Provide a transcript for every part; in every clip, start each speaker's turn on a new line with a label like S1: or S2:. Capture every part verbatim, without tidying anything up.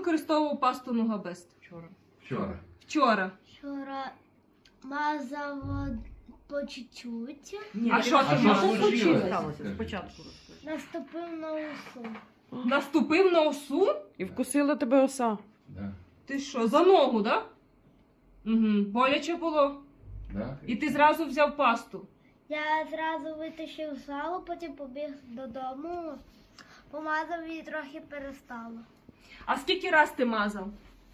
S1: використовував пасту Нугабест?
S2: Вчора.
S3: Вчора.
S1: Вчора.
S4: Вчора мазав по чуть-чуть,
S2: Ні,
S1: А що ти
S3: А що
S1: мазав?
S3: случилось?
S2: Сталося,
S3: Скажи.
S2: спочатку розкажи.
S4: наступив на усу.
S1: Наступив на осу?
S5: І вкусила тебе оса.
S3: Да.
S1: Ти що, за ногу, да? Угу. Боляче було?
S3: Да.
S1: І ти зразу взяв пасту?
S4: Я зразу витащив залу, потім побіг додому, помазав і трохи перестало.
S1: А скільки раз ти мазав?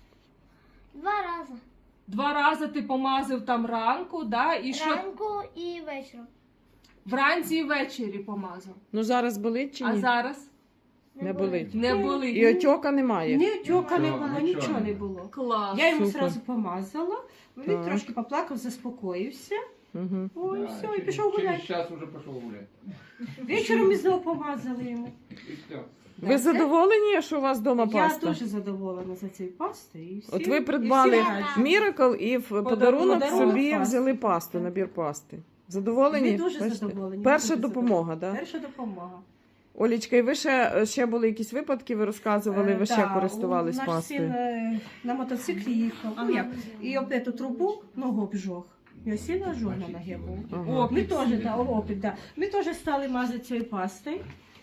S4: Два рази.
S1: Два рази ти помазав там ранку, да? І що?
S4: Ранку і вечором.
S1: Вранці і ввечері помазав.
S5: Ну зараз болить чи
S1: А
S5: ні?
S1: зараз?
S5: Не болить.
S1: Не болить.
S5: І отьока немає.
S2: Ні, отьока не
S3: Нічого,
S2: було,
S3: нічого
S2: нічого
S3: не
S2: не було.
S1: Клас.
S2: Я йому
S5: Супер.
S2: одразу помазала, він
S5: Так.
S2: трошки поплакав, заспокоївся.
S5: Угу.
S2: Ой,
S3: Да,
S2: все, і
S3: через-
S2: пішов
S3: Через
S2: гуляти.
S3: час уже пішов гуляти.
S2: Вечором ми знову помазали йому.
S3: І все.
S5: Ви
S2: Да,
S5: задоволені, що у вас вдома
S2: Я
S5: паста?
S2: дуже задоволена за цією пастою. І всі,
S5: От ви
S2: і
S5: придбали
S2: всі раді.
S5: Міракл і в подарунок
S2: подарунок
S5: собі
S2: пасту.
S5: взяли пасту, набір пасти. Задоволені?
S2: Ми дуже
S5: Бачите?
S2: задоволені.
S5: Перша
S2: дуже
S5: допомога,
S2: задоволені.
S5: так?
S2: Перша допомога.
S5: Олічка, і ви ще, ще були якісь випадки, ви розказували, ви
S2: Е,
S5: ще
S2: да,
S5: користувались
S2: наш
S5: пастою.
S2: син е, на мотоциклі їхав. Ну, як? І об эту трубу ногу обжог. Його сильно ожог на ногі був.
S5: Ага.
S2: Ми теж, да, опит, да. Ми теж стали мазати цією пастою.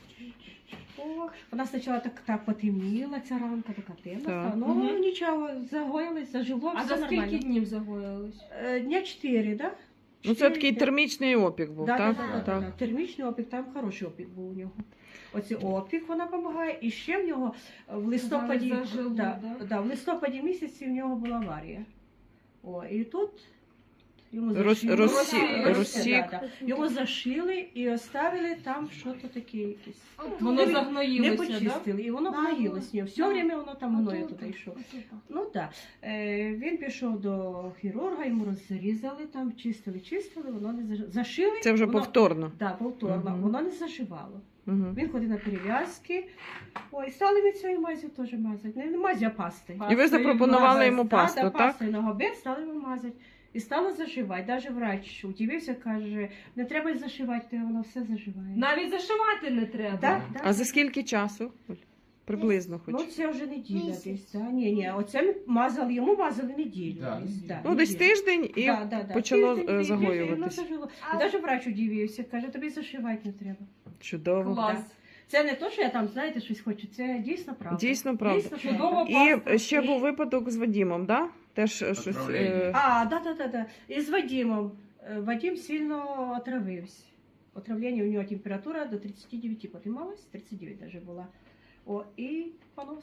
S2: О, вона спочатку так, так потемніла, ця ранка, така темна.
S5: Так.
S2: стала. Ну,
S1: Мгм.
S2: нічого, загоїлось, зажило,
S1: А
S2: все
S1: за скільки
S2: нормально.
S1: днів загоїлись?
S2: Е, Дня чотири, да?
S5: Ну це такий термічний опік був,
S2: Да,
S5: так?
S2: да, да, да,
S5: Так.
S2: да. Термічний опік, там хороший опік був у нього. Оцей опік вона допомагає. І ще в нього в листопаді,
S1: Зараз зажило,
S2: да,
S1: да?
S2: да, в листопаді місяці в нього була аварія. О, і тут йому
S5: Роз-
S2: зашили.
S5: розсі-
S2: Роз-
S5: розсік.
S2: да, да. Його зашили і оставили там щось таке якесь.
S1: Воно
S2: Не-
S1: загноїлося,
S2: Не
S1: да?
S2: почистили, і воно
S4: Да,
S2: гноїлось.
S4: ну,
S2: Все
S4: да.
S2: время воно там гною
S4: Отут.
S2: туди йшло. Ну так. Е, він пішов до хірурга, йому розрізали там, чистили, чистили, воно не заж- зашили.
S5: Це вже
S2: воно,
S5: повторно.
S2: Да, повторно.
S5: Мгм.
S2: Воно не заживало.
S5: Угу.
S2: Він ходив на перев'язки. Ой, стали від цієї мазі теж мазати. Не, не мазі, а пасти.
S5: І ви запропонували йому пасту,
S2: да, да,
S5: так?
S2: пастою на гобель стали йому мазати. І стало заживати. Навіть врач удивився, каже, не треба й зашивати, то воно все заживає.
S1: Навіть зашивати не треба.
S2: Да, да.
S5: А за скільки часу? Оль? Приблизно хоч.
S2: Ну, це вже неділя
S4: Місяць.
S2: десь. Да? Ні, ні, оце ми мазали, йому мазали неділю.
S3: Да,
S2: десь,
S3: неділю.
S2: да,
S5: Ну, десь
S2: неділю.
S5: тиждень і
S2: Да, да, да.
S5: почало
S2: Тиждень,
S5: е,
S2: тиждень, і воно
S5: загоюватись.
S2: зажило.
S4: А-
S2: І навіть врач удивився, каже, тобі зашивати не треба.
S5: Чудово.
S1: Клас.
S2: Це не то, що я там, знаєте, щось хочу, це дійсно правда.
S5: Дійсно правда.
S2: Дійсно
S1: Чудово.
S5: І
S1: Паста.
S5: ще був випадок з Вадімом, да? Теж е, щось. е,
S3: Отравлення.
S2: А, да, да, да, да. І з Вадимом. Е, Вадим сильно отравився. Отравлення, у нього температура до тридцати дев'яти піднімалась, тридцять дев'ять навіть була. О, і понос.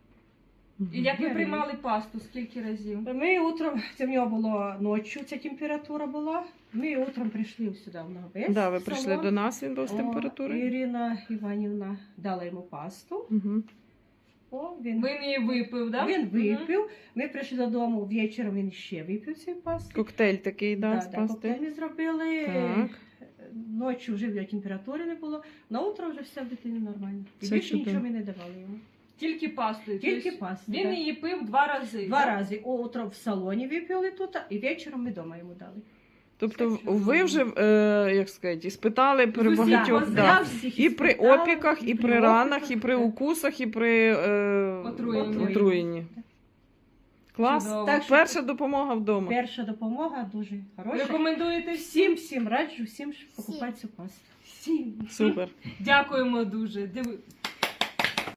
S1: І як ви приймали пасту? Скільки разів?
S2: Ми утром, це в нього було ночі, ця температура була. Ми утром прийшли сюди в Ногобець.
S5: Да, ви
S2: в
S5: прийшли
S2: салон.
S5: до нас, він був з
S2: О,
S5: температурою.
S2: Ірина Іванівна дала йому пасту.
S5: Угу.
S2: О, він,
S1: Він її випив, да?
S2: він
S1: Мгм.
S2: випив. Ми прийшли додому, ввечері він ще випив цю пасту.
S5: Коктейль такий, да,
S2: Да,
S5: з
S2: да,
S5: пасти.
S2: коктейль ми зробили.
S5: Так.
S2: Ночі вже в нього температури не було. На утро вже все в дитині нормально. І
S5: Це
S2: більше
S5: чудово.
S2: нічого ми не давали йому.
S1: Тільки пастою.
S2: Тільки
S1: Тобто
S2: пасту.
S1: Він
S2: да.
S1: її пив два рази.
S2: Два
S1: да?
S2: рази. О, утром в салоні випили тут, і вечором ми вдома йому дали.
S5: Тобто
S2: Все чудово.
S5: ви вже, е, як сказати, спитали при
S1: З усіх
S5: багатьох,
S1: позицій.
S5: да.
S2: Я всіх
S5: І при
S2: іспитала,
S5: опіках, і при
S2: при
S5: ранах,
S2: опіках,
S5: і при
S2: так.
S5: укусах, і при е,
S1: Отруєнні.
S5: отруєнні. Клас.
S1: Чудово.
S2: Так що
S5: Перша допомога вдома.
S2: перша допомога дуже хороша.
S1: Рекомендуєте всім?
S2: Всім, всім раджу, всім покупати цю пасту. Всім.
S5: Супер.
S1: Дякуємо дуже. Диви-